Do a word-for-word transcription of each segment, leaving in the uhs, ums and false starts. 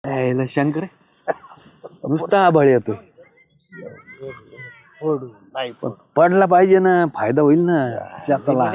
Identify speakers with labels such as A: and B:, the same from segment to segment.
A: यायला शंकर नुसता आभाळ येतोय.
B: नाही
A: पण पडला पाहिजे ना, फायदा होईल ना शेताला.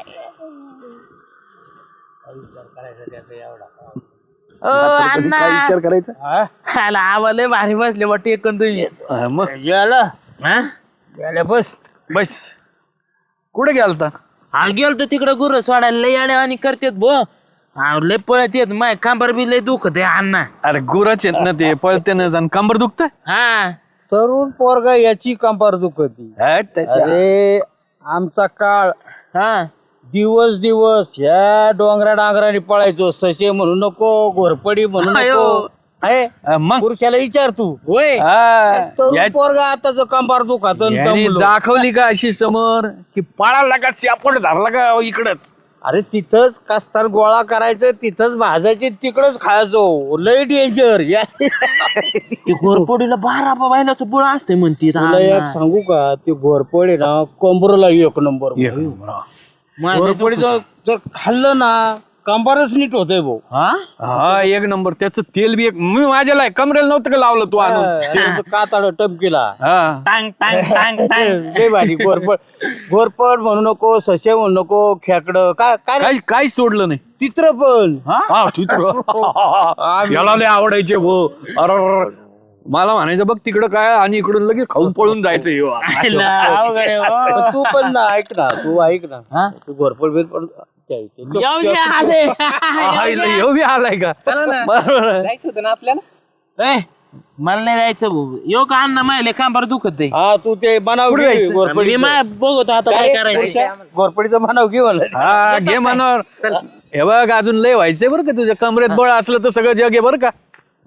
C: अण्णा
A: काय विचार करायचा
C: खायला आवाले भारी बसले वाटते एकूण तुम्ही
A: हा, मग
B: गेला
C: हा
B: गेला बस
A: बस कुठे गेलता?
C: हा गेल तर तिकडे गुरु सोडायला लय अड्या आणि करतेत भो. हा लय पळत येत माय कांबर बी लय दुखत आहे अण्णा.
A: अरे गुराच येत ना ते पळते ना जाण कंबर दुखत.
C: हा
B: तरुण पोरगा याची कंपार दुखती. अरे आमचा काळ
C: हा
B: दिवस दिवस ह्या डोंगरा डांगराने पळायचो. ससे म्हणू नको, घोरपडी म्हणू नको.
C: अयो.
B: आहे
A: मग
B: पुरुषाला विचार तू.
C: होय
A: हा,
B: तरुण
A: या-
B: पोरगा आता जो कंपार दुखात
A: यांनी दाखवली का अशी समोर की पाळाला का सापड धरला का इकडच.
B: अरे तिथंच कास्तार गोळा करायचं, तिथंच भाजायचे, तिकडच खायचो. लय डेंजर.
C: ते घोरपडीला बारा बायलाचं बुळ असते म्हणते
B: तुला एक सांगू का, ते घोरपडे ना कंबरला एक नंबर. घोरपडीचं जर खाल्लं ना कंबारच नीट होतंय भाऊ.
A: हा एक नंबर. त्याचं तेल बी एक मी माझ्याला कमरेला नव्हतं का लावलं तू आणून.
B: काताड टमकीला
A: हा
C: टांग टांग टांग टांग
B: लय भारी. घोरपड घोरपड म्हणू नको, ससे म्हणू नको, खेकड काय काय
A: काही काहीच सोडलं नाही.
B: चित्र पण
A: हा चित्र याला लय आवडायचे भो. अरे मला म्हणायचं बघ तिकडं काय आणि इकडून लगेच खाऊन पळून जायचं ह्यो.
C: अवघड आहे हो.
B: पण तू पण ना ऐक ना, तू ऐक ना, तू घोरपड बिरपड
C: येऊ दे, आले.
A: हा, इला ह्यो बी आलाय का? बरोबर.
C: जायचं होतं ना आपल्याला. ए मला नाही जायचं भाऊ. येऊ का अण्णा मायले कांबार दुखत आहे.
B: हा तू ते बनाव
A: कुठं
B: घे
A: जायचं?
C: मी
B: घोरपडीचं.
C: माय बघतो आता काय करायचं.
B: घोरपडीचं बनाव घे मला.
A: हा घे मनावर. हे बघ अजून लय व्हायचंय बरं का तुझ्या कमरेत बळ असलं तर सगळं जग आहे बरं का.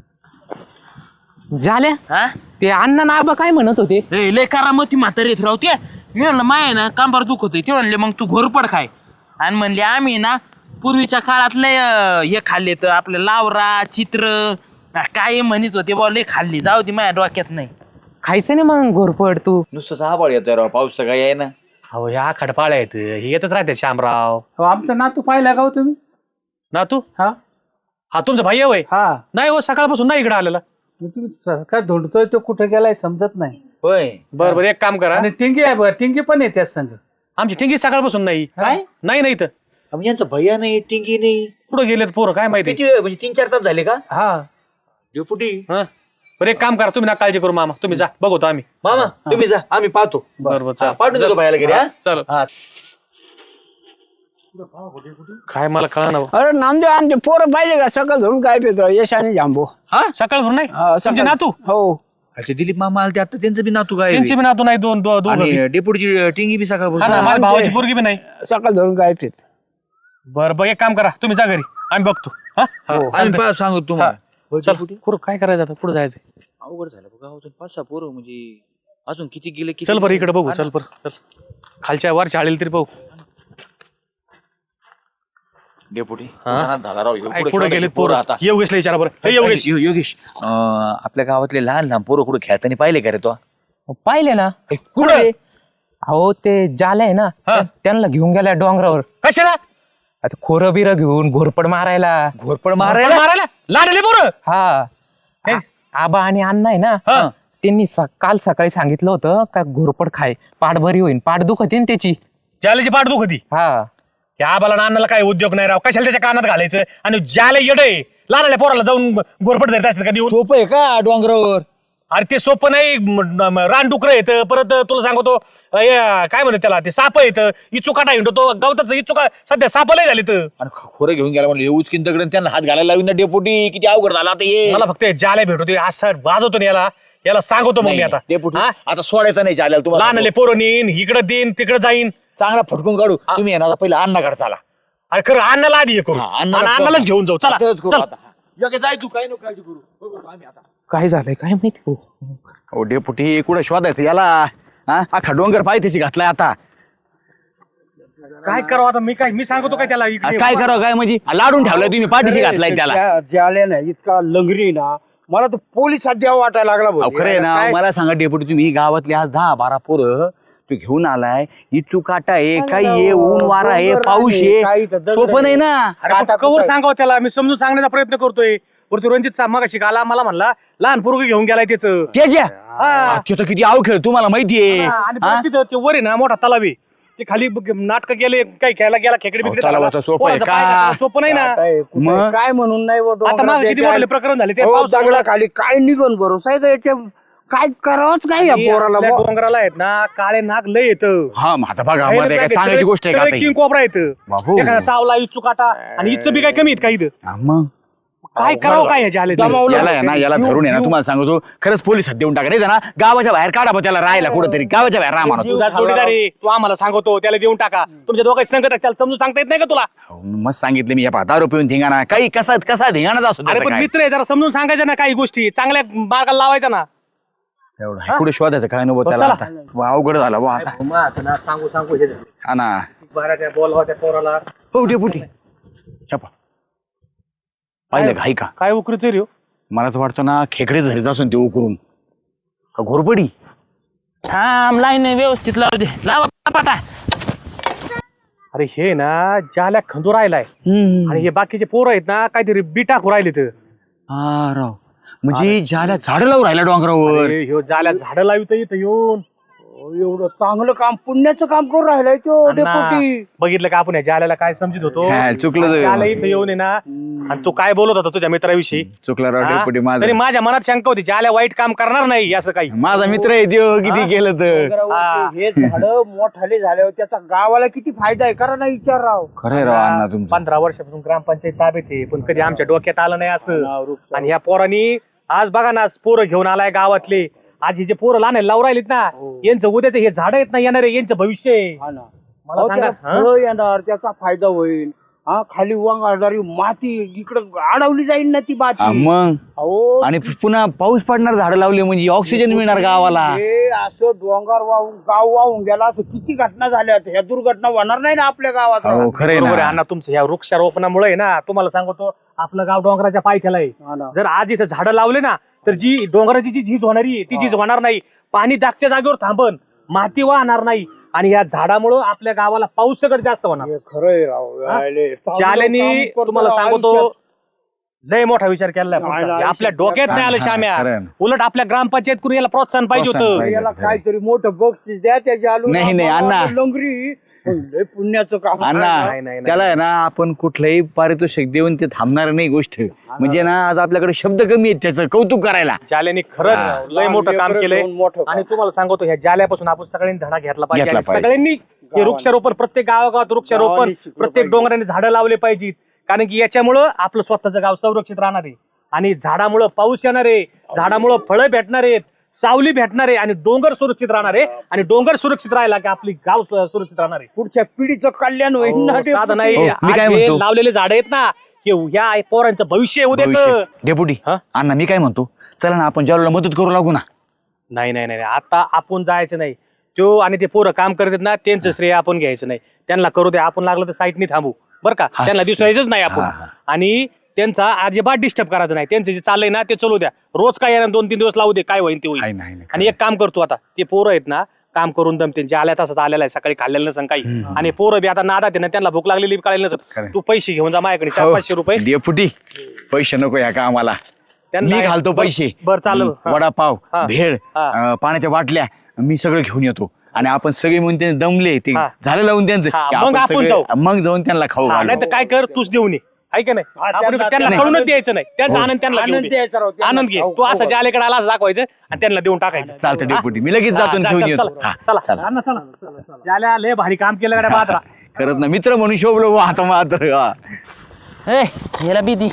C: झाल्या हा ते अण्णा ना आबा काय म्हणत होते. लय करामती म्हातारीत राहते. मी म्हणलं माय ना कांबार दुखत ते म्हणले मग तू घोरपड खाय. आणि म्हणले आम्ही ना पूर्वीच्या काळात लय अं, हे खाल्ले तर आपलं लावरा चित्र काय म्हणत होते बा लय खाल्ली. जाऊ दे माझ्या डोक्यात नाही. खायचं नाही मग घोरपड तू.
D: नुसतं आभाळ येतोय राव, पाऊस सगळा आहे ना.
A: अहो ह्या खडपाळ्या आहेत हे येतच राहते श्यामराव.
B: आमचा नातू पाहिला का हो तुम्ही?
A: ना तू
B: हा
A: हा तुमचा भाई होय?
B: हा
A: नाही हो सकाळपासून नाही इकडे आलेला.
B: तुम्ही काय धुंडतोय तो कुठे गेलाय समजत नाही.
D: होय
A: बरं बरं एक काम करा.
B: आणि टिंगी आहे बघ, टिंगी पण येते संघ.
A: आमची ठिंगी सकाळपासून नाही.
D: काय?
A: नाही नाही तर
D: म्हणजे यांचं भैया नाही, टिंगी नाही.
A: कुठं गेलेत पोरं काय माहिती.
D: किती वेळ म्हणजे तीन चार तास झाले का?
B: हा
D: डेपुटी
A: हा बरं एक काम करा तुम्ही ना काळजी करू मामा तुम्ही जा बघतो आम्ही.
D: मामा तुम्ही जा, आम्ही पाहतो.
A: बरं बरं
D: हा,
A: चल.
D: पाठवून देतो भैयाला घरी. हा?
A: चल
D: हा.
A: काय मला कळा ना.
E: अरे नामदेव आमचे पोरं पाहिले का सकाळ धरून काय पितो यश आणि जांबू.
A: हा सकाळ धरून नाही
E: हा,
A: तुमचे
E: सकाळ-
A: नातू
E: हो
D: अच्छा दिलीप मामा आले ते आता, त्यांचं बी नातू काय
A: त्यांचे बी नातू नाही दोन दो- दोघं बी.
D: आणि डेपुटीची टिंगी बी
A: हा ना
D: सकाळ
A: माझ्या भावाची पोरगी बी नाही.
E: सकाळ धरून काय पित.
A: बरं बरं एक काम करा तुम्ही जा घरी आम्ही बघतो. हा चालतंय.
D: सांगू तुम्हाला.
A: चल कुठं काय करायचं आता पुढे जायचं.
D: अवघड झालं बघा, अजून पाच सहा पोरं म्हणजे अजून किती गेले किती
A: चल बरं इकडे बघू.
D: हा ना.
A: चल बरं चल खालच्या वरच्या आलेली तरी बघू.
D: डेपुटी
A: हा?
D: उन्हाळ्यात झाला राव ह्यो.
A: काय
D: कुठं
A: पुढे
D: शोधायचे
A: गेलेत
D: पोरं
A: पोरं
D: आता.
A: योगेशला विचारा बरं. हे योगेश
D: यो- योगेश अं, आपल्या गावातले लहान लहान पोरं कुठे खेळताना पाहिले का रे तो?
F: पाहिले ना
D: कुठे?
F: अहो ते जाले आहे ना
A: हा.
F: त्यांना घेऊन गेल्या डोंगरावर.
A: कशाला
F: आता खोरं बिरं घेऊन घोरपड मारायला.
D: घोरपड
A: मारायला
D: मारायला.
A: मारायला लाडले पोरं.
F: हा
A: हे?
F: आ- आबा आणि अण्णा आहे ना
A: हा.
F: त्यांनी स- काल सकाळी सांगितलं होतं का घोरपड खाय पाठ बरी होईल. पाठ दुखत ना त्याची.
A: ज्याला पाठ दुख होती
F: हा
A: त्या आबाला नानाला काय उद्योग नाही राव. कशाला त्याच्या कानात घालायचं आणि ज्याला येडय लहानल्या पोराला जाऊन गोरपट धरत असतात का देऊन.
D: सोपं आहे का डोंगरावर?
A: अरे ते सोपं नाही. रानडुकर येतं परत तुला सांगतो अ, हे, काय म्हणतात त्याला ते साप येतं इचुकाटा हिंडतो तो गवताचं इचुका सध्या सापलंय झाले तर.
D: आणि खोरं घेऊन गेला म्हणलं उचकीन दगड त्यांना हात घालायला लावी ना डेपुटी. किती अवघड झाला आता ये.
A: मला फक्त ज्याला भेटतो असं वाजवतो ना याला याला सांगतो मग मी आता
D: डेपुटी
A: हा?
D: आता सोडायचं नाही चालेल तुम्हाला.
A: लहानले पोरं नेईन इकडं देईन तिकडं जाईन.
D: चांगला फटकून काढू. तुम्ही येणार पहिला अण्णाकडे चला.
A: अरे खरं अन्नाला आधी हे करू
D: हा,
A: आणि
D: अण्णाला
A: अन्नालाच घेऊन जाऊ. चला
D: आताच करू
A: चल.
D: आता. योग्य जाय तू काय नको काळजी करू. बघू आम्ही आता.
F: काय झालंय काय माहिती हो.
D: ओ डेपुटी कुठे शोधायचं याला? हा अख्खा डोंगर पाय त्याची घातलाय आता.
A: काय करावं आता मी काय मी सांगतो काय त्याला इकडे.
D: काय करावं काय म्हणजे लाडून ठेवलाय तुम्ही पाठीशी घातलाय त्याला.
B: ज्याले ना इतका लंगरी ना मला तर पोलिसात द्यावं वाटायला लागला भाऊ.
D: अहो, खरं आहे ना
B: काय-
D: मला सांगा डेपुटी तुम्ही गावातले आज दहा बारा पोरं तू घेऊन आलाय इचू काटा आहे काही आहे ऊन वारा आहे पाऊस आहे सोपं नाही ना.
A: अरे पण कवर सांगावं त्याला, मी समजून सांगण्याचा प्रयत्न करतोय. वरती रणजित मागाशी आला मला म्हणला लहान पोरग घेऊन गेलाय त्याचं.
D: त्याच्या ते तर किती अवखेळ तुम्हाला माहितीये.
A: आणि परत तिथं ते वर आहे ना मोठा तलावी, ते खाली नाटक गेले काही खेळायला गेला खेकडे बिकडे
D: तलावाचं सोपं आहे
A: पोरांचा
D: का?
A: पाय घातला, सोपं नाही ना.
B: मग काय म्हणून नाही बुवा,
A: आता
B: डोंगरात
A: मागे किती
B: याच्या-
A: मोठे प्रकरण झाले ते
B: हो,
A: पाऊस
B: दगडाखाली काय निघून भरोसा आहे का याच्या? काय करावंच काय या पोराला बुवा?
A: डोंगराला आहेत ना काळे नाग लय येत.
D: हा मग आता बघा मला काय सांगायची गोष्ट आहे का आता ही?
A: किंग कोबरा येत,
D: बाबू.
A: एखादा चावला इच्छू काटा आणि इच्छ बी काय कमी आहेत काही इथं.
D: हा, मग
A: काय करावं काय ह्याचे आले ते?
D: याला आहे ना याला धरून आहे ना तुम्हाला सांगतो खरंच पोलिसात देऊन टाका नाही ना गावाच्या बाहेर काढा बा त्याला राहायला कुठंतरी गावाच्या बाहेर राहा म्हणा.
A: तुझा जोडीदारी तू आम्हाला सांगतो त्याला देऊन टाका. तुमच्या दोघांची संगत आहे, त्याला समजून सांगता येत नाही का तुला?
D: मस्त सांगितलं मी या पहा दारू पिऊन धिंगाणा काही कसा कसा धिंगाणाच असतो
A: अरे
D: त्याचा
A: पण
D: काय.
A: मित्र आहे, जरा समजून सांगायचं ना काही गोष्टी चांगल्या मार्गाला लावायचा ना.
D: एवढं आहे. पुढे शोधायचं काय नको त्याला
A: चला.
D: आता. वा, अवघड झालं वा आता.
A: सांगू सांगू हे
D: हा ना
A: बोलवा त्या पोराला.
D: हो डेपुटी छापा पाहिलं का ऐका
A: काय उकरतोय रे हो?
D: मला तर वाटतं ना खेकडे धरीत असून ते उकरून का घोरपडी.
C: थांब लाईन व्यवस्थित लावू दे, लावा पाटा.
A: अरे हे ना ज्याला खंदू राहिलाय आणि हे बाकीचे पोरं आहेत ना काहीतरी बिटा राहिले तर.
D: हा राव म्हणजे ज्याला झाड लावून राहिला डोंगरावर.
A: अरे ह्यो जाल्या झाडं लावित इथं येऊन.
B: एवढं चांगलं काम पुण्याचं काम करून राहिलंय तो
A: अण्णा,
B: डेपुटी.
A: बघितलं का आपण या जाल्याला काय समजित होतो.
D: हा, चुकलं तो.
A: जाल्या इथं येऊन आहे ना आणि तू काय बोलत होता तुझ्या मित्राविषयी.
D: चुकला राव
A: हा?
D: डेपुटी
A: तरी
D: माझा.
A: माझ्या मनात शंका होती जाल्या वाईट काम करणार नाही असं काही.
D: माझा मित्र आहे देव किती केलं तर.
B: डोंगरावरती हे झाड मोठाले झाल्यावर त्याचा गावाला किती फायदा आहे करा ना विचार राव.
D: खरंय राव अण्णा तुमचं.
A: पंधरा वर्षापासून ग्रामपंचायत ताब्यात आहे पण कधी आमच्या डोक्यात आलं नाही असं. आणि ह्या पोरांनी आज बघा ना पोरं घेऊन आलाय गावातले. आज हे जे पोरं लहान आहे, लावून राहिलेत ना यांचं उद्याचं हे झाड आहेत ना येणार आहे यांचं भविष्य आहे.
B: हा ना.
A: मला
B: अहो,
A: सांगा
B: त्याला फळं येणार त्याचा फायदा होईल. हा खाली वांगाळणारी माती इकडं अडवली जाईल ना ती
D: हा,
B: माती.
D: मग
B: अहो
D: आणि पुन्हा पाऊस पडणार झाडं लावली म्हणजे ऑक्सिजन मिळणार गावाला.
B: हे असं डोंगर वाहून गाव वाहून गेला असं किती घटना झाल्या ह्या दुर्घटना होणार नाही ना आपल्या गावात.
D: हो खरंय
A: बरोबर आहे
D: ना.
A: अण्णा तुमचं ह्या वृक्षारोपणामुळे आहे ना तुम्हाला सांगतो आपलं गाव डोंगराच्या पायथ्याला आहे.
B: हा ना.
A: जर आज इथं झाडं लावले ना तर जी डोंगराची जी झीज होणारी आहे, ती झीज होणार नाही. पाणी दागच्या जागेवर थांबन, माती वाहणार नाही आणि या झाडामुळं आपल्या गावाला पाऊस सगळं जास्त होणार.
B: हे खरंय राव. यायले. चांगलं
A: शालेनी
B: काम करतो
A: तुम्हाला
B: राव
A: सांगतो
B: आयुष्यात.
A: लय मोठा विचार केलाय
B: नाही,
A: पुढचा.
B: नाही,
A: आपल्या डोक्यात नाही आलं
D: हा,
A: श्याम्या.
D: खरं आहे.
A: उलट आपल्या ग्रामपंचायत करून याला प्रोत्साहन पाहिजे
D: प्रोत्साहन
A: होतं.
D: पाहिजे.
B: याला काहीतरी मोठं बक्षीस द्या त्याच्या आलू
D: नाही, नाही, अण्णा.
B: लंगरी लय पुण्याचं काम.
D: अण्णा
A: नाही, नाही, नाही.
D: त्याला आहे ना आपण कुठलंही पारितोषिक देऊन ते थांबणार नाही गोष्ट. म्हणजे ना आज आपल्याकडे शब्द कमी आहेत त्याचं कौतुक करायला.
A: जाल्याने खरंच लय मोठं काम केलंय.
B: मोठं काम.
A: आणि तुम्हाला सांगतो ह्या जाल्यापासून आपण सगळ्यांनी धडा घेतला पाहिजे.
D: घेतला
A: आणि
D: पाहिजे.
A: सगळ्यांनी हे वृक्षारोपण प्रत्येक गावागावात वृक्षारोपण
B: गावांनी शिकलं
A: प्रत्येक
B: पाहिजे.
A: डोंगराने झाडं लावले पाहिजेत. कारण की याच्यामुळं आपलं स्वतःचं गाव संरक्षित राहणार आहे आणि झाडामुळं पाऊस येणार आहे, झाडामुळं फळं भेटणार आहेत, सावली भेटणार आहे आणि डोंगर सुरक्षित राहणार आहे. आणि डोंगर सुरक्षित राहिला की आपली गाव सु- सुरक्षित राहणार आहे.
B: पुढच्या पिढीचं कल्याण होईल ना
A: हो, साधं नाही.
D: हो, मी
A: आज
D: काय
A: हे
D: म्हणतो?
A: लावलेले झाड आहेत ना हे ह्या पोरांचं भविष्य आहे उद्याचं.
D: भविष्य. डेपुटी
A: हा?
D: अण्णा मी काय म्हणतो चला ना आपण ज्याला मदत करू लागू ना.
A: नाही नाही नाही नाही. आता आपण जायचं नाही. तो आणि ते पोरं काम करतात ना त्यांचं श्रेय आपण घ्यायचं नाही. त्यांना करू दे, आपण लागलं तर साईटनी थांबू बरं का.
D: हा.
A: त्यांना दिसायचंच नाही आपण.
D: हा, हा.
A: आणि त्यांचा अजिबात डिस्टर्ब करायचं नाही. त्यांचं जे चाललंय ना ते चालू द्या. रोज काय येणार दोन तीन दिवस लावू दे, काय होईल ते
D: आहे,
A: होईल.
D: नाही, नाही,
A: आणि एक काम करतो आता ते पोरं आहेत ना काम करून दमते जे आल्या तसंच आलेला आहे सकाळी खाल्लेलं नसं काही. आणि पोरं बी आता नादात आहे ना त्यांना भूक लागलेली बी कळेल नसत.
D: खरं.
A: तू पैसे घेऊन जा माझ्याकडे चार
D: हो,
A: पाचशे रुपये.
D: डेपुटी पैसे नको या का आम्हाला.
A: त्यांना-
D: मी घालतो पैसे.
A: बरं चालेल. हा.
D: वडापाव
A: हा.
D: भेळ
A: हा.
D: अं, पाण्याच्या बाटल्या मी सगळं घेऊन येतो. आणि आपण सगळे म्हणून ते दमले ते
A: हा.
D: झालं लावून त्यांचं
A: हा,
D: की
A: मग आपण
D: सगळे-
A: जाऊ.
D: मग जाऊन त्यांना खाऊ घालू.
A: नाही तर काय कर तूच देऊन ये आहे का नाही.
B: हा,
A: आपण
B: त्यांना-
A: त्यांना
B: त्यांना-
A: कळूनच द्यायचं नाही. त्यांचा आनंद त्यांना घेऊ
B: आनंद
A: दे.
B: द्यायचा राव, त्यांना
A: आनंद घे.
B: खाऊ-
A: तू असं
B: खाऊ
A: ज्यालेकडे आला असं दाखवायचं आणि त्यांना देऊन टाकायचं.
D: चालतं
A: हा?
D: डेपुटी मी लगेच
A: हा,
D: जातो आणि
A: चल,
D: घेऊन
A: चल,
D: येतो.
A: चला.
D: हा,
A: चला
D: चला.
A: अण्णा, चला ज्याला लय भारी काम केलं गड्या बाजरा.
D: खरंच ना मित्र म्हणून शोभलो बुवा आता मात्र. हा.
C: ए याला भीती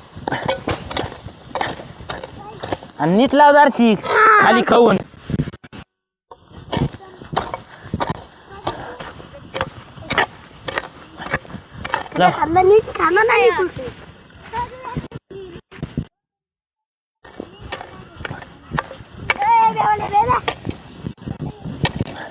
C: आणि नीट लाव दारशी खाली खाऊन.
G: खाल्लं नीट खाल्लं नाही